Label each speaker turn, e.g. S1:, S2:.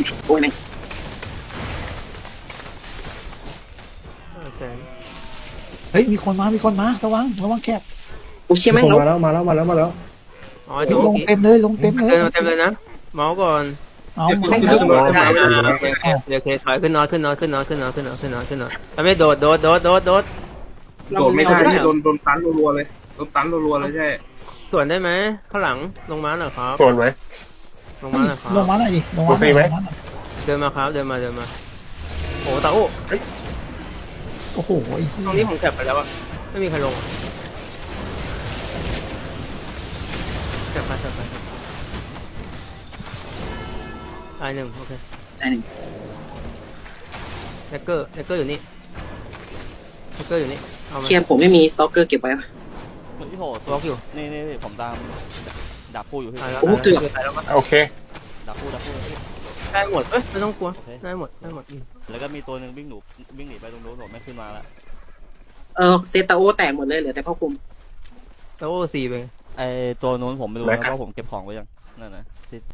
S1: โอ้ยแม่ง
S2: เฮ้ยมีคนมาระวังแคบ
S1: โอ้เชี่ยแม่งแล้ว
S3: มาแล้ว
S4: อ๋อถูก
S2: ลงเต็มเลยเต็มเลย
S4: นะเมาส์ก่อน
S2: เอามา
S4: ไม่ได้เดี๋ยวเคถอยขึ้นนอนไม่โดด
S5: โดดไม่ได้โดนตันรัวๆเลยโดนตันรัวๆเลยใช่
S4: ส่วนได้ไหมข้างหลังลงมาหน่อยครับ
S6: ส่วนไหม
S4: ลงมาหน่อยครับ
S2: ลงมาหน่อยดิ
S6: โอเคไหม
S4: เดินมาครับเดินมาโอ้ตาโอ้
S2: โอ้โห
S4: ตรงนี้ผมแคปไปแล้วอะไม่มีใครลงแคปไปตายหนึ่งโอเค
S1: ได้หนึ่ง
S4: แฮกเกอร์อยู่นี่เอามา
S1: เชี่ยผมไม่มีสต็อกเกอร์เก็บไว้
S7: คนที่โหด
S4: บล็อกอยู่
S7: นี่ผมตามดักคู่อยู่พี่
S4: ตายแล้ว
S1: โอ้เกือบ
S4: ตายแล้ว
S6: โอเค
S7: ดักคู่
S4: ได้หมดไม่ต้องกลัวได้หมด
S7: แล้วก็มีตัวหนึ่งวิ่งหนีไปตรงนู้นผมไม่ขึ้นมาละ
S1: เซตาโอแตกหมดเลยเหลือแต่พ่อคุม
S4: ตาโอ้4ไป
S7: ไอตัวนู้นผมไม่รู้นะเพราะผมเก็บของไว้ยังนั่นนะ